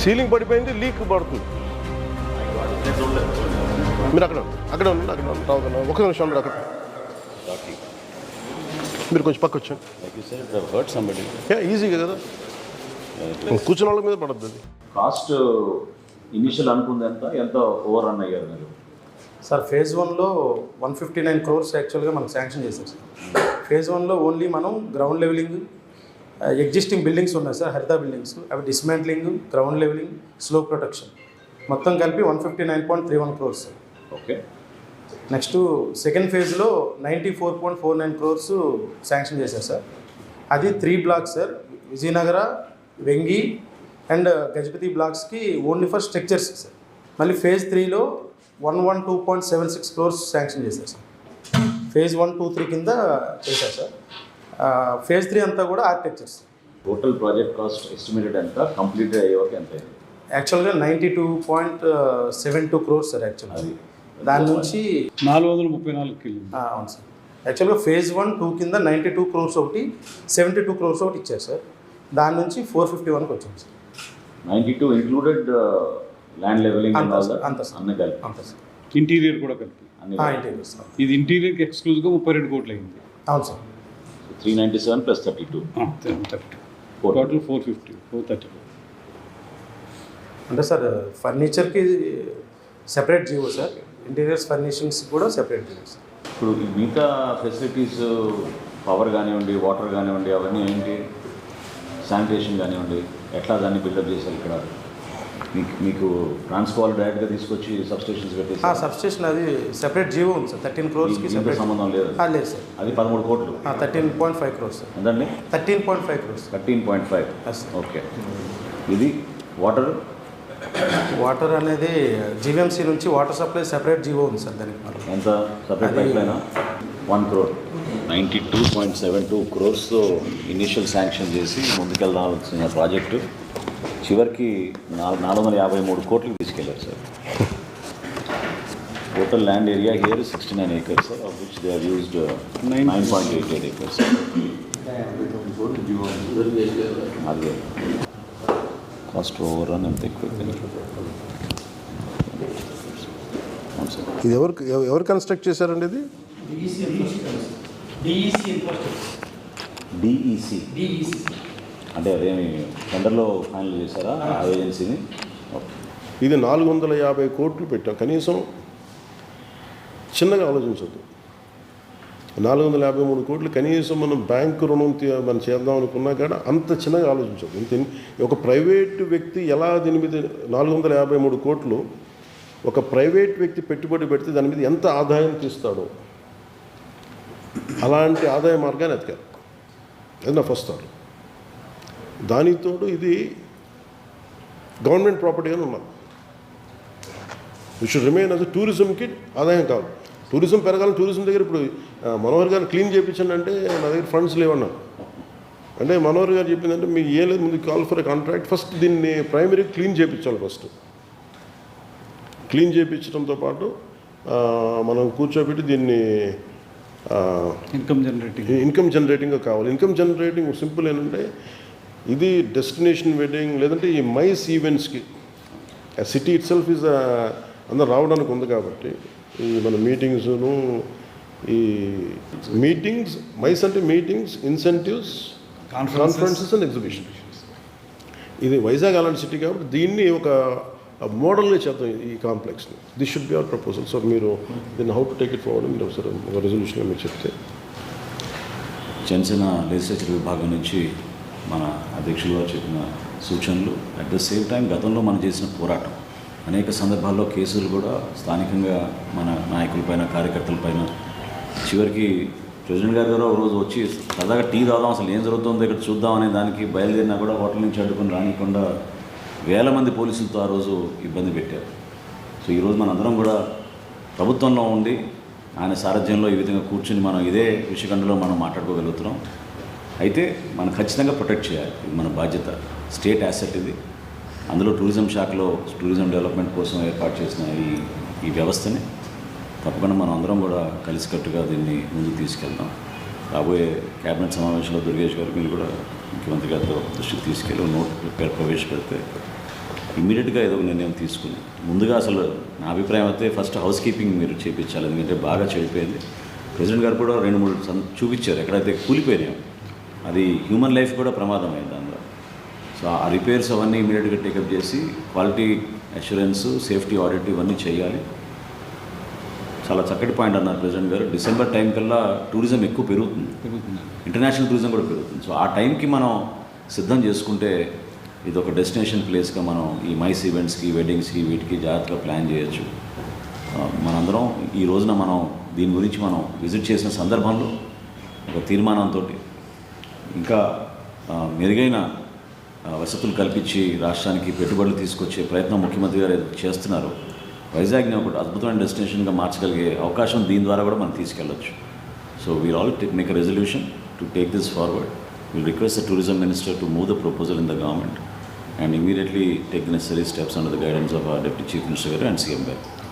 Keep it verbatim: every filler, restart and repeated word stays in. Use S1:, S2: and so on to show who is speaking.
S1: Ceiling పడిపోయింది, leak పడుతుంది. మీరు అక్కడ అక్కడ ఉండండి, అక్కడ రావుతున్నా ఒక నిమిషం ఉండదు. అక్కడ మీరు కొంచెం పక్క వచ్చాను. ఈజీగా కదా, కూర్చున్న వాళ్ళ మీద పడద్దు అది.
S2: కాస్ట్ ఇనిషియల్ అనుకుంది ఎంత ఎంత ఓవర్ రన్ అయ్యారు మీరు?
S3: సార్ ఫేజ్ వన్లో వన్ ఫిఫ్టీ నైన్ క్రోర్స్ యాక్చువల్గా మనం శాంక్షన్ చేశాం సార్. ఫేజ్ వన్లో ఓన్లీ మనం గ్రౌండ్ లెవెలింగ్, ఎగ్జిస్టింగ్ బిల్డింగ్స్ ఉన్నాయి సార్, హరిత బిల్డింగ్స్, అవి dismantling, ground levelling, slope protection మొత్తం కలిపి one fifty nine point three one crores sir.
S2: Okay.
S3: Next second ఫేజ్లో ninety four point four nine crores sanction చేశారు sir. అది three blocks sir, Vijayanagara, Vengi and Gajapati బ్లాక్స్కి only for structures sir. మళ్ళీ phase త్రీలో one one two point seven six crores sanction చేశారు sir. Phase one two three కింద చేశారు sir. Phase three అంతా కూడా architectures.
S2: Total project cost estimated ఎంత, కంప్లీట్ అయ్యే వరకు ఎంత?
S3: యాక్చువల్గా ninety two point seven two crores sir. యాక్చువల్గా అది దాని నుంచి
S4: నాలుగు వందల ముప్పై నాలుగు కిలో.
S3: అవును సార్. యాక్చువల్గా ఫేజ్ వన్ టూ కింద నైంటీ టూ క్రోర్స్ ఒకటి, సెవెంటీ టూ క్రోర్స్ ఒకటి ఇచ్చారు సార్. దాని నుంచి ఫోర్ ఫిఫ్టీ వన్కి వచ్చింది sir.
S2: Ninety two included land levelling
S3: అంత సార్, అంత సార్,
S2: అన్నీ కలిపి
S3: అంత సార్.
S4: ఇంటీరియర్ కూడా కలిపి
S2: అన్ని
S3: ఇంటీరియర్ సార్.
S4: ఇది ఇంటీరియర్కి ఎక్స్క్లూజివ్గా ముప్పై రెండు కోట్లు అయింది.
S3: అవును sir.
S2: Three ninety seven plus thirty two
S4: thirty total four fifty four thirty two.
S3: అంటే సార్ ఫర్నిచర్కి separate GO sir, interiors furnishings కూడా సెపరేట్ జీవో సార్.
S2: ఇప్పుడు ఈ మిగతా ఫెసిలిటీస్ పవర్ కానివ్వండి, వాటర్ కానివ్వండి, అవన్నీ ఏంటి, శానిటేషన్ కానివ్వండి, ఎట్లా దాన్ని బిల్డప్ చేశారు ఇక్కడ? మీకు మీకు ట్రాన్స్ఫార్ డైరెక్ట్గా తీసుకొచ్చి సబ్స్టేషన్స్ పెట్టేసి
S3: సబ్స్టేషన్ అది సెపరేట్ జీవో ఉంది సార్. థర్టీన్ క్రోర్స్కి సెపరేట్
S2: సంబంధం లేదు
S3: లేదు సార్.
S2: అది పదమూడు కోట్లు.
S3: Thirteen point five crores sir.
S2: ఎంతండి?
S3: Thirteen point five crores.
S2: Thirteen point five
S3: yes.
S2: Okay. ఇది వాటర్
S3: వాటర్ అనేది జీవీఎంసీ నుంచి వాటర్ సప్లై సెపరేట్ జీవో ఉంది సార్. దానికి మరి
S2: ఎంత separate pipe line? One crore ninety two point seven two క్రోర్స్తో initial sanction చేసి ముందుకెళ్దాల్సిన ప్రాజెక్టు చివరికి నాలుగు నాలుగు వందల యాభై మూడు కోట్లకి తీసుకెళ్లారు sir. Total land area here sixty nine acres of which they are used nine point eight eight acres. అదే కాస్ట్ ఓవర్ రన్ ఎంత ఎక్కువ.
S1: ఇది ఎవరు ఎవరు కన్స్ట్రక్ట్ చేశారండి? ఇది
S2: డిఈసి అంటే అదేమి టెండర్లో ఫైనల్ చేశారా ఆ ఏజెన్సీని?
S1: ఇది నాలుగు వందల యాభై కోట్లు పెట్టాం. కనీసం చిన్నగా ఆలోచించద్దు. నాలుగు వందల యాభై మూడు కోట్లు కనీసం మనం బ్యాంకు రుణం మనం చేద్దాం అనుకున్నా కూడా అంత చిన్నగా ఆలోచించదు. ఇంత ఒక ప్రైవేట్ వ్యక్తి ఎలా దీని మీద నాలుగు వందల యాభై మూడు కోట్లు ఒక ప్రైవేట్ వ్యక్తి పెట్టుబడి పెడితే దాని మీద ఎంత ఆదాయం తీస్తాడో అలాంటి ఆదాయ మార్గాన్ని ఎతకారు. అది నా ఫస్ట్ థాట్. దానితోడు ఇది గవర్నమెంట్ ప్రాపర్టీగానే ఉన్నారు. ఇట్ షుడ్ రిమైన్ అది టూరిజంకి ఆదాయం కాదు. టూరిజం పెరగాలని టూరిజం దగ్గర ఇప్పుడు మనోహర్ గారు క్లీన్ చేయించండి అంటే నా దగ్గర ఫండ్స్ లేవన్నారు. అంటే మనోహర్ గారు చెప్పిందంటే మీకు ఏ లేదు, ముందు కాల్ ఫర్ కాంట్రాక్ట్, ఫస్ట్ దీన్ని ప్రైమరీ క్లీన్ చేయించాలి. ఫస్ట్ క్లీన్ చేయించడంతో పాటు మనం కూర్చోబెట్టి దీన్ని
S4: ఇన్కమ్ జనరేటింగ్
S1: ఇన్కమ్ జనరేటింగ్గా కావాలి. ఇన్కమ్ జనరేటింగ్ సింపుల్ ఏంటంటే ఇది డెస్టినేషన్ వెడ్డింగ్ లేదంటే ఈ మైస్ ఈవెంట్స్కి సిటీ ఇట్ సెల్ఫ్ ఈజ్ అందరు రావడానికి ఉంది కాబట్టి ఈ మన మీటింగ్స్ను ఈ మీటింగ్స్ మైస్ అంటే meetings, incentives, conferences and exhibitions. ఇది వైజాగ్ అలాంటి సిటీ కాబట్టి దీన్ని ఒక మోడల్గా చేద్దాం ఈ కాంప్లెక్స్ని. This should be our proposal. So మీరు దీన్ని how to take it forward మీరు ఒకసారి ఒక రెజల్యూషన్గా మీరు చెప్తే.
S2: జనసేన లెజిస్లేచర్ విభాగం నుంచి మన అధ్యక్షులుగా చెప్పిన సూచనలు, అట్ ద సేమ్ టైం గతంలో మనం చేసిన పోరాటం, అనేక సందర్భాల్లో కేసులు కూడా స్థానికంగా మన నాయకులపైన, కార్యకర్తలపైన, చివరికి ప్రెసిడెంట్ గారి ద్వారా ఒక రోజు వచ్చి సరదాగా టీ తాగుదాం, అసలు ఏం జరుగుతుందో ఇక్కడ చూద్దాం అనే దానికి బయలుదేరినా కూడా హోటల్ నుంచి అడ్డుకొని రానికుండా వేల మంది పోలీసులతో ఆ రోజు ఇబ్బంది పెట్టారు. సో ఈరోజు మనందరం కూడా ప్రభుత్వంలో ఉండి ఆయన సారథ్యంలో ఈ విధంగా కూర్చుని మనం ఇదే విషయఖండలో మనం మాట్లాడుకోగలుగుతున్నాం. అయితే మనం ఖచ్చితంగా ప్రొటెక్ట్ చేయాలి. ఇది మన బాధ్యత. స్టేట్ యాసెట్ ఇది. అందులో టూరిజం శాఖలో టూరిజం డెవలప్మెంట్ కోసం ఏర్పాటు చేసిన ఈ ఈ వ్యవస్థని తప్పకుండా మనం అందరం కూడా కలిసికట్టుగా దీన్ని ముందుకు తీసుకెళ్దాం. రాబోయే క్యాబినెట్ సమావేశంలో దుర్గేష్ గారు మీరు కూడా ముఖ్యమంత్రి గారితో దృష్టికి తీసుకెళ్ళి నోట్ ప్రవేశపెడితే ఇమ్మీడియట్గా ఏదో ఒక నిర్ణయం తీసుకుని ముందుగా అసలు నా అభిప్రాయం అయితే ఫస్ట్ హౌస్ కీపింగ్ మీరు చేయించాలి, ఎందుకంటే బాగా చెడిపోయింది. ప్రెసిడెంట్ గారు కూడా రెండు మూడు సం- చూపించారు ఎక్కడైతే కూలిపోయినాయో, అది హ్యూమన్ లైఫ్ కూడా ప్రమాదం అయింది అందులో. సో ఆ రిపేర్స్ అవన్నీ ఇమీడియట్గా టేకప్ చేసి క్వాలిటీ అష్యూరెన్స్, సేఫ్టీ ఆడిట్ ఇవన్నీ చేయాలి. చాలా చక్కటి పాయింట్ అన్నారు ప్రెసిడెంట్ గారు. డిసెంబర్ టైం కల్లా టూరిజం ఎక్కువ పెరుగుతుంది, ఇంటర్నేషనల్ టూరిజం కూడా పెరుగుతుంది. సో ఆ టైంకి మనం సిద్ధం చేసుకుంటే ఇది ఒక డెస్టినేషన్ ప్లేస్గా మనం ఈ మైస్ ఈవెంట్స్కి, వెడ్డింగ్స్కి, వీటికి జాగ్రత్తగా ప్లాన్ చేయొచ్చు. ఆ, మనందరం ఈ రోజున మనం దీని గురించి మనం విజిట్ చేసిన సందర్భంలో ఒక తీర్మానంతో ఇంకా ఆ, మెరుగైన ఆ, వసతులు కల్పించి రాష్ట్రానికి పెట్టుబడులు తీసుకొచ్చే ప్రయత్నం ముఖ్యమంత్రి గారు ఏదైతే చేస్తున్నారు, వైజాగ్ని ఒక అద్భుతమైన డెస్టినేషన్గా మార్చగలిగే అవకాశం దీని ద్వారా కూడా మనం తీసుకెళ్ళొచ్చు. So we'll all make a resolution to take this forward. Will request the tourism minister to move the proposal in the government and immediately take the necessary steps under the guidance of our Deputy Chief Minister and C M గారు.